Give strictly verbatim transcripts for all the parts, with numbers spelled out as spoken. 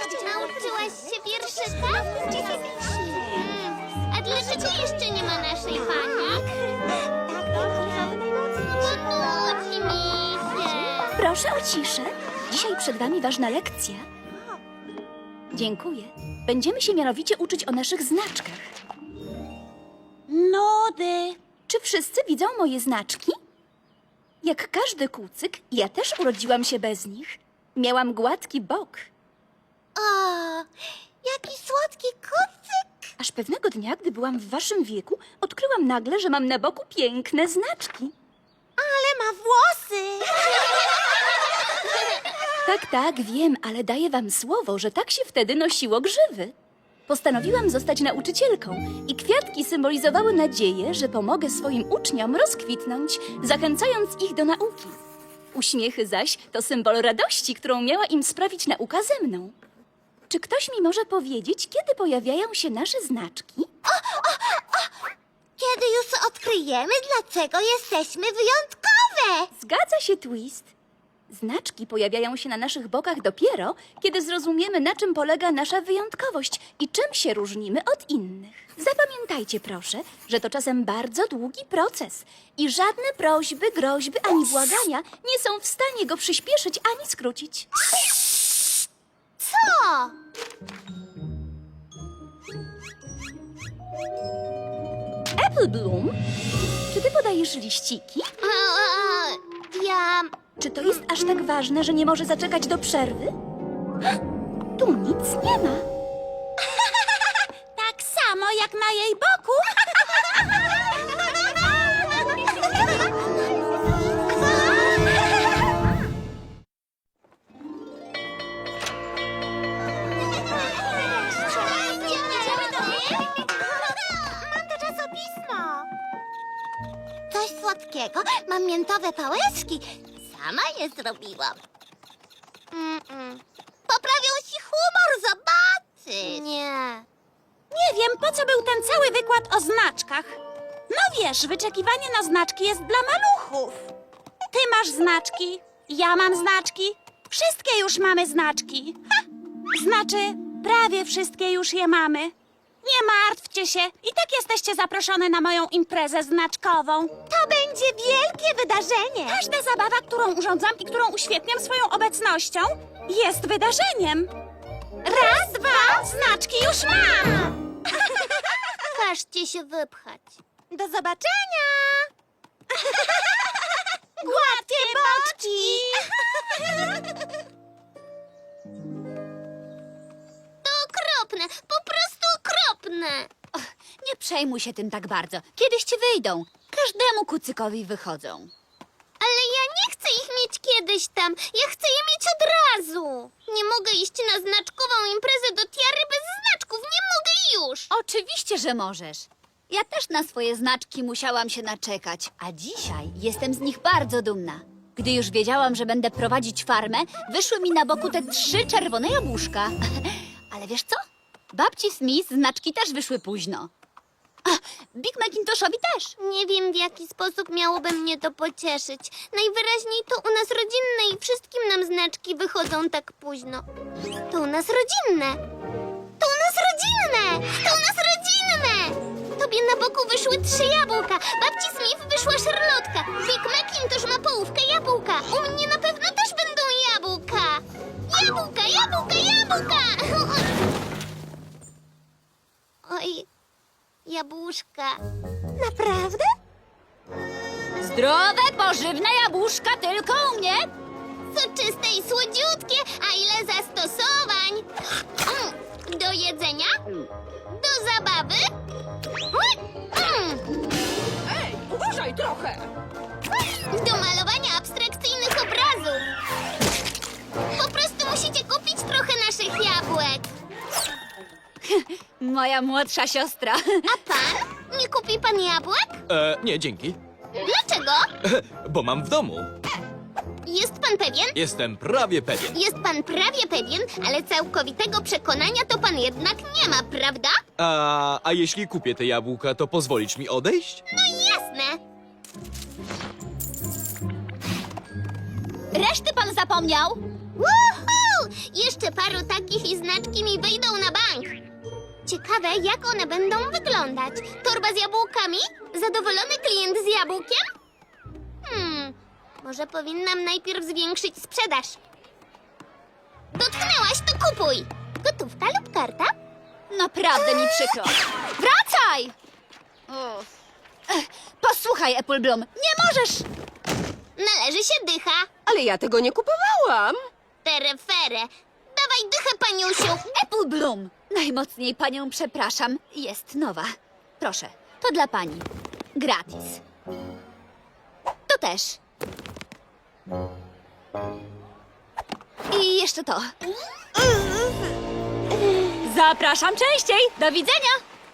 Nauczyłaś się wierszyka? Hmm. A dlaczego jeszcze nie ma naszej pani? Bo nudzi mi się. Proszę o ciszę. Dzisiaj przed wami ważna lekcja. Dziękuję. Będziemy się mianowicie uczyć o naszych znaczkach. Nudy. Czy wszyscy widzą moje znaczki? Jak każdy kucyk, ja też urodziłam się bez nich. Miałam gładki bok. O, jaki słodki kucyk. Aż pewnego dnia, gdy byłam w waszym wieku, odkryłam nagle, że mam na boku piękne znaczki. Ale ma włosy. Tak, tak, wiem, ale daję wam słowo, że tak się wtedy nosiło grzywy. Postanowiłam zostać nauczycielką i kwiatki symbolizowały nadzieję, że pomogę swoim uczniom rozkwitnąć, zachęcając ich do nauki. Uśmiechy zaś to symbol radości, którą miała im sprawić nauka ze mną. Czy ktoś mi może powiedzieć, kiedy pojawiają się nasze znaczki? Kiedy już odkryjemy, dlaczego jesteśmy wyjątkowe. Zgadza się, Twist. Znaczki pojawiają się na naszych bokach dopiero, kiedy zrozumiemy, na czym polega nasza wyjątkowość i czym się różnimy od innych. Zapamiętajcie, proszę, że to czasem bardzo długi proces i żadne prośby, groźby ani błagania nie są w stanie go przyspieszyć ani skrócić. Co? Apple Bloom, czy ty podajesz liściki? E, Ja... Czy to jest aż tak ważne, że nie może zaczekać do przerwy? Tu nic nie ma. Tak samo jak na jej boku. Mam to czasopismo. Coś słodkiego. Mam miętowe pałeczki. Sama je zrobiłam. Mm-mm. Poprawią ci humor, zobaczysz. Nie. Nie wiem, po co był ten cały wykład o znaczkach. No wiesz, wyczekiwanie na znaczki jest dla maluchów. Ty masz znaczki, ja mam znaczki, wszystkie już mamy znaczki. Ha! Znaczy, prawie wszystkie już je mamy. Nie martwcie się, i tak jesteście zaproszone na moją imprezę znaczkową. To będzie wielkie wydarzenie. Każda zabawa, którą urządzam i którą uświetniam swoją obecnością, jest wydarzeniem. Raz, dwa, znaczki już mam! Każcie się wypchać. Do zobaczenia! Gładkie boczki! To okropne, po prostu okropne. Nie przejmuj się tym tak bardzo. Kiedyś ci wyjdą. Każdemu kucykowi wychodzą. Ale ja nie chcę ich mieć kiedyś tam. Ja chcę je mieć od razu. Nie mogę iść na znaczkową imprezę do tiary bez znaczków. Nie mogę już. Oczywiście, że możesz. Ja też na swoje znaczki musiałam się naczekać, a dzisiaj jestem z nich bardzo dumna. Gdy już wiedziałam, że będę prowadzić farmę, wyszły mi na boku te trzy czerwone jabłuszka. Ale wiesz co? Babci Smith znaczki też wyszły późno. A, Big Macintoshowi też. Nie wiem, w jaki sposób miałoby mnie to pocieszyć. Najwyraźniej to u nas rodzinne i wszystkim nam znaczki wychodzą tak późno. To u nas rodzinne. To u nas rodzinne. To u nas rodzinne. Tobie na boku wyszły trzy jabłka. Babci Smith wyszła szarlotka. Big Macintosh ma połówkę jabłka. U mnie na pewno też będą jabłka. Jabłka, jabłka, jabłka. Oj, jabłuszka. Naprawdę? Zdrowe, pożywne jabłuszka tylko u mnie. Soczyste i słodziutkie, a ile zastosowań! Mm, do jedzenia? Do zabawy? Mm, Ej, uważaj trochę! do malowania abstrakcyjnych obrazów! Po prostu musicie kupić trochę naszych jabłek. Moja młodsza siostra. A pan? Nie kupi pan jabłek? E, nie, dzięki. Dlaczego? Bo mam w domu. Jest pan pewien? Jestem prawie pewien. Jest pan prawie pewien, ale całkowitego przekonania to pan jednak nie ma, prawda? A, a jeśli kupię te jabłka, to pozwolisz mi odejść? No jasne. Reszty pan zapomniał? Woohoo! Jeszcze paru takich i znaczki mi wyjdą na bank. Ciekawe, jak one będą wyglądać. Torba z jabłkami? Zadowolony klient z jabłkiem? Hmm, może powinnam najpierw zwiększyć sprzedaż. Dotknęłaś, to kupuj! Gotówka lub karta? Naprawdę mi przykro. Wracaj! Uff. Ech, Posłuchaj, Apple Bloom, nie możesz... Należy się dycha. Ale ja tego nie kupowałam. Terefere. Dawaj dychę, paniusiu. Apple Bloom, najmocniej panią przepraszam, jest nowa. Proszę, to dla pani. Gratis. To też. I jeszcze to. Zapraszam częściej. Do widzenia.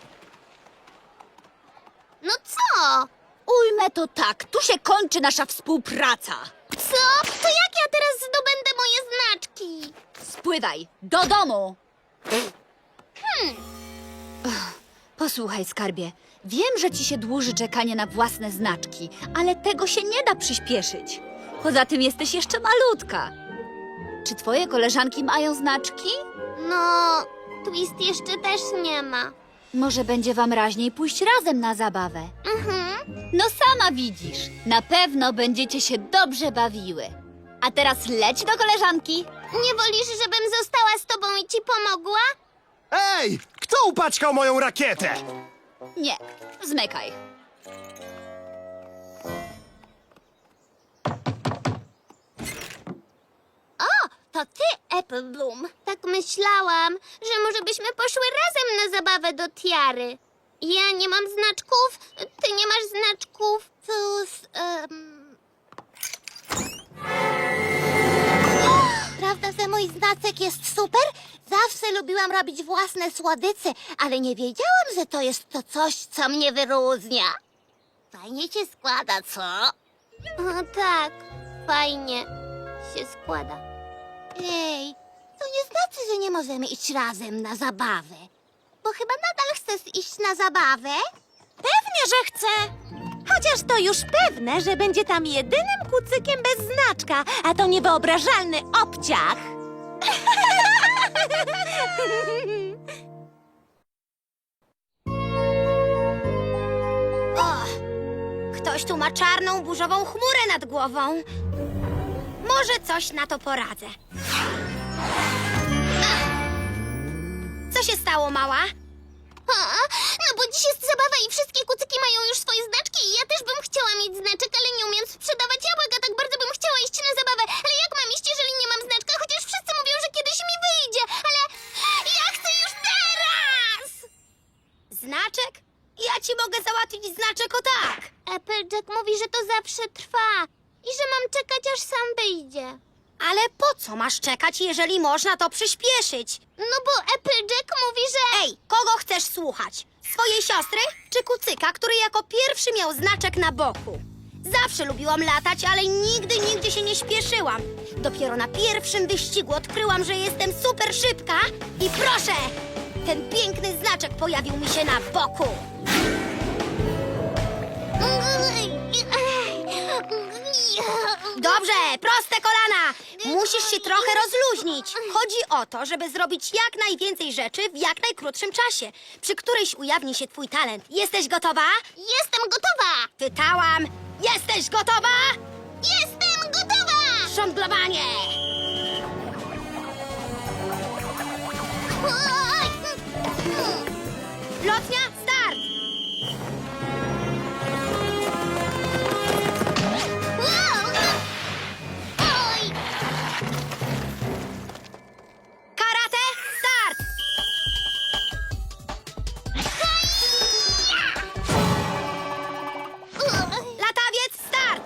No co? Ujmę to tak, tu się kończy nasza współpraca. Co? To jak ja teraz zdobędę moje znaczki? Spływaj, do domu! Hmm. Posłuchaj, skarbie. Wiem, że ci się dłuży czekanie na własne znaczki, ale tego się nie da przyspieszyć. Poza tym jesteś jeszcze malutka. Czy twoje koleżanki mają znaczki? No, Twist jeszcze też nie ma. Może będzie wam raźniej pójść razem na zabawę. Mhm. No sama widzisz, na pewno będziecie się dobrze bawiły. A teraz leć do koleżanki. Nie wolisz, żebym została z tobą i ci pomogła? Ej! Kto upaćkał moją rakietę? Nie, zmykaj. To ty, Apple Bloom. Tak myślałam, że może byśmy poszły razem na zabawę do tiary. Ja nie mam znaczków, ty nie masz znaczków. Cóż, um... Prawda, że mój znacek jest super? Zawsze lubiłam robić własne słodycze, ale nie wiedziałam, że to jest to coś, co mnie wyróżnia. Fajnie się składa, co? O tak, fajnie się składa. Ej, to nie znaczy, że nie możemy iść razem na zabawę. Bo chyba nadal chcesz iść na zabawę? Pewnie, że chcę. Chociaż to już pewne, że będzie tam jedynym kucykiem bez znaczka, a to niewyobrażalny obciach. O, ktoś tu ma czarną, burzową chmurę nad głową. Może coś na to poradzę. Co się stało, mała? A, no bo dziś jest zabawa i wszystkie kucyki mają już swoje znaczki i ja też bym chciała mieć znaczek, ale nie umiem sprzedawać jabłek, a tak bardzo bym chciała iść na zabawę. Ale jak mam iść, jeżeli nie mam znaczka? Chociaż wszyscy mówią, że kiedyś mi wyjdzie, ale ja chcę już teraz! Znaczek? Ja ci mogę załatwić znaczek o tak. Applejack mówi, że to zawsze trwa i że mam czekać, aż sam wyjdzie. Ale po co masz czekać, jeżeli można to przyspieszyć? No bo Applejack mówi, że... Ej, kogo chcesz słuchać? Swojej siostry czy kucyka, który jako pierwszy miał znaczek na boku? Zawsze lubiłam latać, ale nigdy, nigdzie się nie śpieszyłam. Dopiero na pierwszym wyścigu odkryłam, że jestem super szybka i proszę, ten piękny znaczek pojawił mi się na boku. Dobrze, proste kolana. Musisz się trochę rozluźnić. Chodzi o to, żeby zrobić jak najwięcej rzeczy w jak najkrótszym czasie, przy którejś ujawni się twój talent. Jesteś gotowa? Jestem gotowa! Pytałam. Jesteś gotowa? Jestem gotowa! Żonglowanie! Lotnia, start! Oj! Karate, start! Latawiec, start!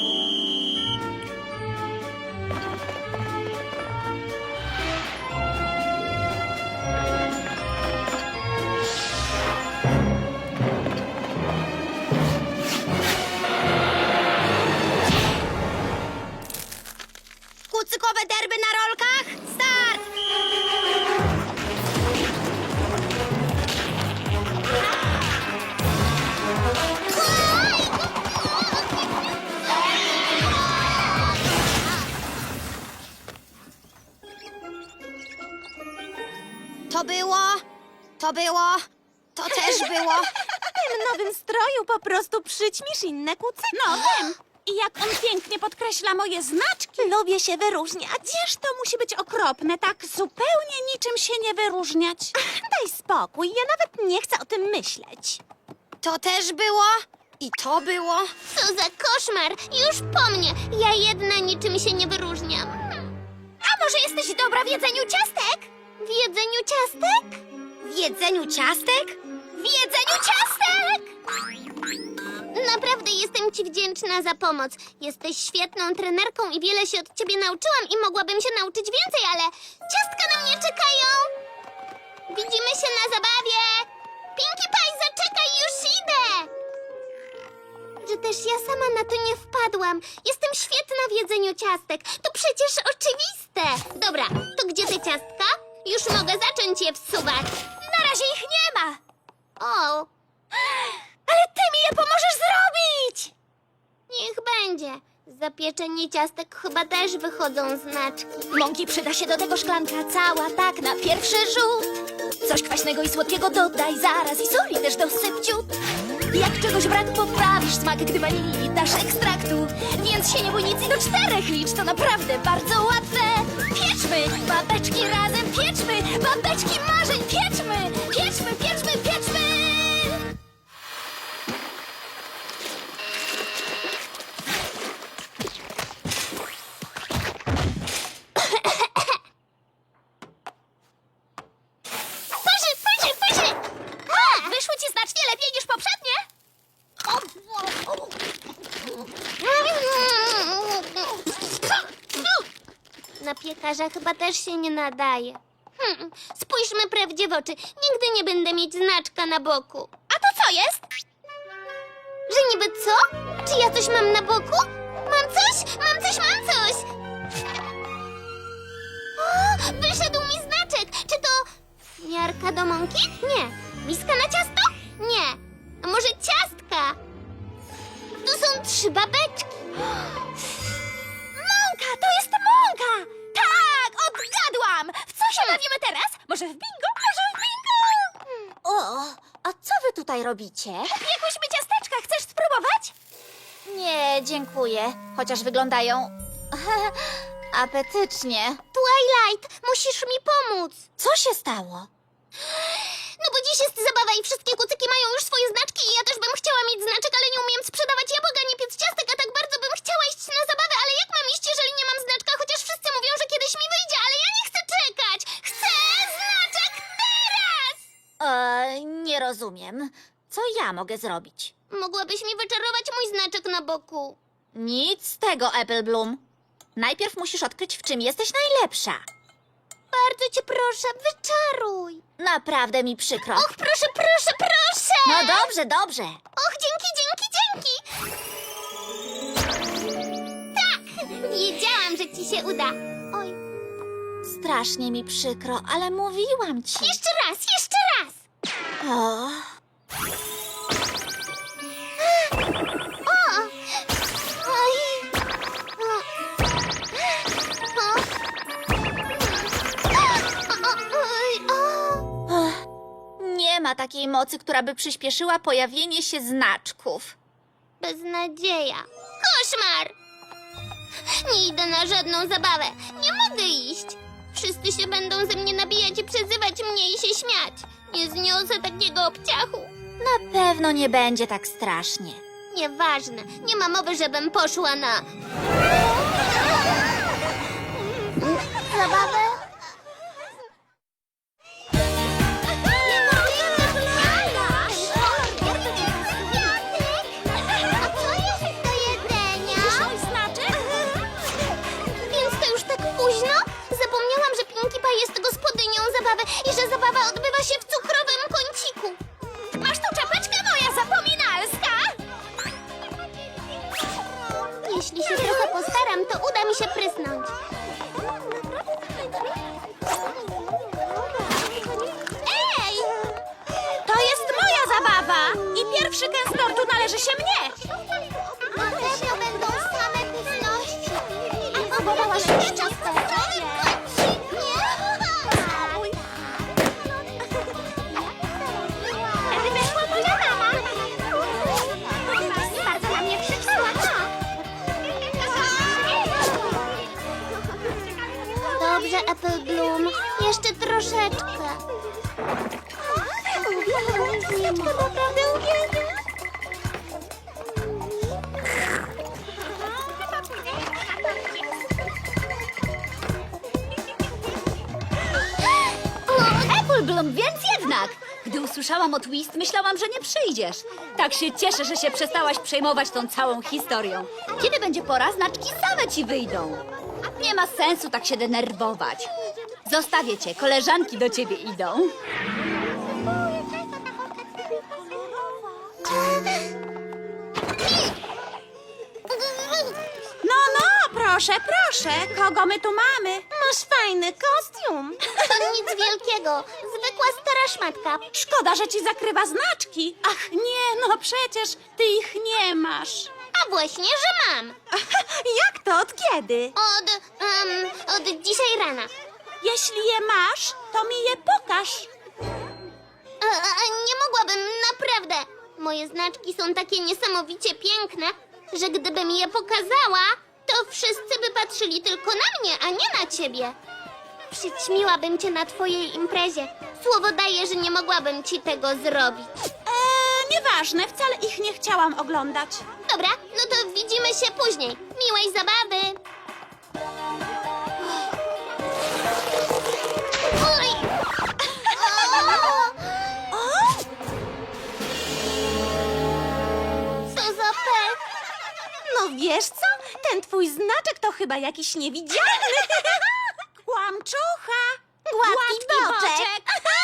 Kucykowe derby na rolkach, start! To było, to było, to też było. W tym nowym stroju po prostu przyćmisz inne kucyki. No wiem. I jak on pięknie podkreśla moje znaczki. Lubię się wyróżniać. Wiesz, to musi być okropne, tak zupełnie niczym się nie wyróżniać. Daj spokój, ja nawet nie chcę o tym myśleć. To też było i to było. Co za koszmar! Już po mnie! Ja jedna niczym się nie wyróżniam. A może jesteś dobra w jedzeniu ciastek? W jedzeniu ciastek? W jedzeniu ciastek? W jedzeniu ciastek! Naprawdę jestem ci wdzięczna za pomoc. Jesteś świetną trenerką i wiele się od ciebie nauczyłam i mogłabym się nauczyć więcej, ale ciastka na mnie czekają. Widzimy się na zabawie. Pinkie Pie, zaczekaj, już idę. Że też ja sama na to nie wpadłam. Jestem świetna w jedzeniu ciastek. To przecież oczywiste. Dobra, to gdzie te ciastka? Już mogę zacząć je wsuwać. Na razie ich nie ma. O, Ale ty mi je pomożesz zrobić! niech będzie. Za pieczenie ciastek chyba też wychodzą znaczki. Mąki przyda się do tego szklanka cała, tak na pierwszy rzut. Coś kwaśnego i słodkiego dodaj zaraz i soli też dosyp ciut. Jak czegoś brak, poprawisz smak, gdy wanilii dasz ekstraktu. Więc się nie bój nic i do czterech licz, to naprawdę bardzo łatwe. Pieczmy, babeczki razem pieczmy, babeczki marzeń pieczmy, pieczmy, pieczmy, pieczmy. Pyszy, pyszy, pyszy! O, wyszły ci znacznie lepiej niż poprzednie. Na piekarza chyba też się nie nadaje. Hmm, spójrzmy prawdzie w oczy. Nigdy nie będę mieć znaczka na boku. A to co jest? Że niby co? Czy ja coś mam na boku? Mam coś? Mam coś, mam coś! O, wyszedł mi znaczek! Czy to miarka do mąki? Nie. Miska na ciasto? Nie. A może ciastka? Tu są trzy babeczki. Mąka, to jest mąka! Tak, odgadłam! W co się bawimy teraz? Może w bingo? Może w bingo? O, a co wy tutaj robicie? Piekłyśmy ciasteczka, chcesz spróbować? Nie, dziękuję. Chociaż wyglądają apetycznie. Twilight, musisz mi pomóc. Co się stało? No bo dziś jest zabawa i wszystkie kucyki mają już swoje znaczki i ja też bym chciała mieć znaczek, ale nie umiem sprzedawać jabłek ani piec ciastek, a tak bardzo bym chciała iść na zabawę, ale jak mam iść, jeżeli nie mam znaczka? Chociaż wszyscy mówią, że kiedyś mi wyjdzie, ale ja nie chcę czekać! Chcę znaczek teraz! E, nie rozumiem. Co ja mogę zrobić? Mogłabyś mi wyczarować mój znaczek na boku. Nic z tego, Apple Bloom. Najpierw musisz odkryć, w czym jesteś najlepsza. Bardzo cię proszę, wyczaruj. Naprawdę mi przykro. Och, proszę, proszę, proszę! No dobrze, dobrze. Och, dzięki, dzięki, dzięki! Tak! Wiedziałam, że ci się uda. Oj, Strasznie mi przykro, ale mówiłam ci. jeszcze raz, jeszcze raz! O, O! Oj! O! O! O! Oj! O! ech, nie ma takiej mocy, która by przyspieszyła pojawienie się znaczków. Beznadzieja. Koszmar! Nie idę na żadną zabawę. Nie mogę iść. Wszyscy się będą ze mnie nabijać i przezywać mnie i się śmiać. Nie zniosę takiego obciachu. Na pewno nie będzie tak strasznie. Nieważne. Nie ma mowy, żebym poszła na... zabawę? A co jest do jedzenia? Mój znaczek? Więc to już tak późno? Zapomniałam, że Pinkie Pie jest gospodynią zabawy i że zabawa odbywa się w cukrowym kąciku. Masz tu czapeczkę moja zapominalska? Jeśli się trochę postaram, to uda mi się prysnąć. Ej! To jest moja zabawa! I pierwszy kęs tortu należy się mnie! Na pewno będą same pyszności. A próbowałaś już ciasteczek? Nie? dobrze, Apple Bloom. Jeszcze troszeczkę. Uwielbiam, naprawdę uwielbiam. Apple Bloom, więc jednak! Gdy usłyszałam o Twist, myślałam, że nie przyjdziesz. Tak się cieszę, że się przestałaś przejmować tą całą historią. Kiedy będzie pora, znaczki same ci wyjdą. Nie ma sensu tak się denerwować. Zostawię cię, koleżanki do ciebie idą. No, no, proszę, proszę. Kogo my tu mamy? Masz fajny kostium. To nic wielkiego. Zwykła stara szmatka. Szkoda, że ci zakrywa znaczki. Ach, nie, no przecież ty ich nie masz. A właśnie, że mam. Jak to? Od kiedy? Od, em, od dzisiaj rana. Jeśli je masz, to mi je pokaż. A, a, nie mogłabym, naprawdę. Moje znaczki są takie niesamowicie piękne, że gdybym je pokazała, to wszyscy by patrzyli tylko na mnie, a nie na ciebie. Przyćmiłabym cię na twojej imprezie. Słowo daję, że nie mogłabym ci tego zrobić. Eee, nieważne, wcale ich nie chciałam oglądać. Dobra, no to widzimy się później. Miłej zabawy. Oj! O! Co za pech. No wiesz co? Ten twój znaczek to chyba jakiś niewidzialny. Kłamczucha. Gładki boczek.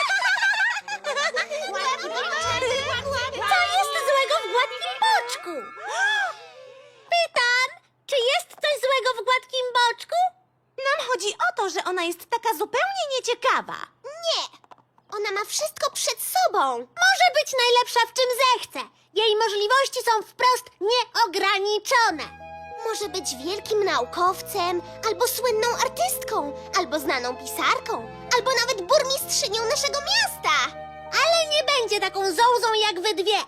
Co jest złego w gładkim boczku? Pytam, czy jest coś złego w gładkim boczku? Nam chodzi o to, że ona jest taka zupełnie nieciekawa. Nie. Ona ma wszystko przed sobą. Może być najlepsza w czym zechce. Jej możliwości są wprost nieograniczone. Może być wielkim naukowcem, albo słynną artystką, albo znaną pisarką, albo nawet burmistrzynią naszego miasta. Ale nie będzie taką zołzą jak wy dwie.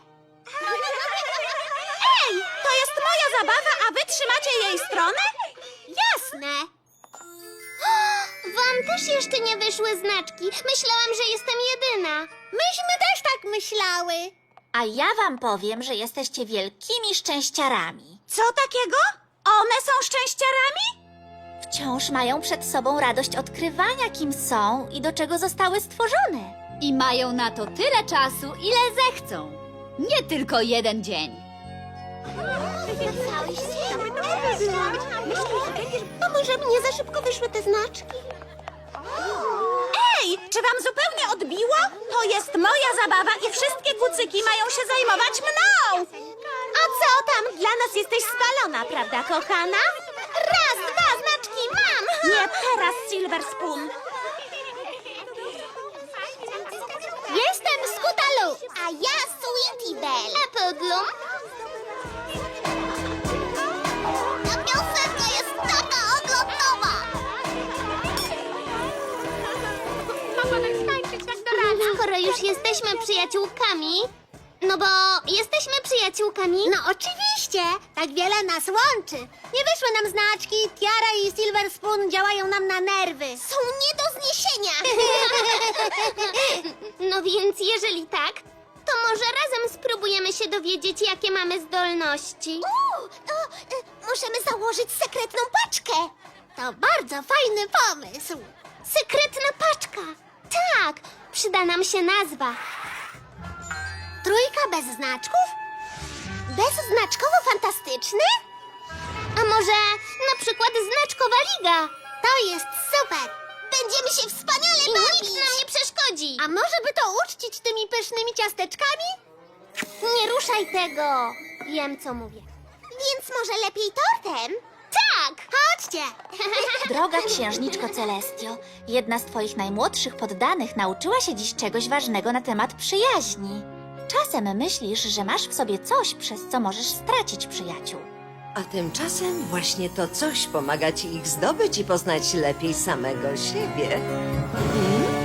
Ej, to jest moja zabawa, a wy trzymacie jej stronę? Jasne. Wam też jeszcze nie wyszły znaczki. Myślałam, że jestem jedyna. Myśmy też tak myślały. A ja wam powiem, że jesteście wielkimi szczęściarami. Co takiego? One są szczęściarami? Wciąż mają przed sobą radość odkrywania, kim są i do czego zostały stworzone. I mają na to tyle czasu, ile zechcą. Nie tylko jeden dzień. A może mnie za szybko wyszły te znaczki? Ej, czy wam zupełnie odbiło? To jest moja zabawa i wszystkie kucyki mają się zajmować mną. A co tam? Dla nas jesteś spalona, prawda, kochana? Raz, dwa, znaczki mam! Nie teraz, Silver Spoon. Jestem Scootaloo, a ja Sweetie Belle. Apple Bloom? Ta piosenka jest taka oglądowa. Skoro już jesteśmy przyjaciółkami, no bo jesteśmy przyjaciółkami. No oczywiście, tak wiele nas łączy. Nie wyszły nam znaczki, Tiara i Silver Spoon działają nam na nerwy. Są nie do zniesienia. No więc jeżeli tak, to może razem spróbujemy się dowiedzieć, jakie mamy zdolności. Uuu, to y, możemy założyć sekretną paczkę. To bardzo fajny pomysł. Sekretna paczka! Tak, przyda nam się nazwa. Trójka bez znaczków? Bezznaczkowo fantastyczny? A może na przykład znaczkowa liga? To jest super. Będziemy się wspaniale I bawić. nic nam nie przeszkodzi. A może by to uczcić tymi pysznymi ciasteczkami? Nie ruszaj tego. Wiem, co mówię. Więc może lepiej tortem? Tak! Chodźcie. Droga księżniczko Celestio, jedna z twoich najmłodszych poddanych nauczyła się dziś czegoś ważnego na temat przyjaźni. Czasem myślisz, że masz w sobie coś, przez co możesz stracić przyjaciół. A tymczasem właśnie to coś pomaga ci ich zdobyć i poznać lepiej samego siebie. Mhm.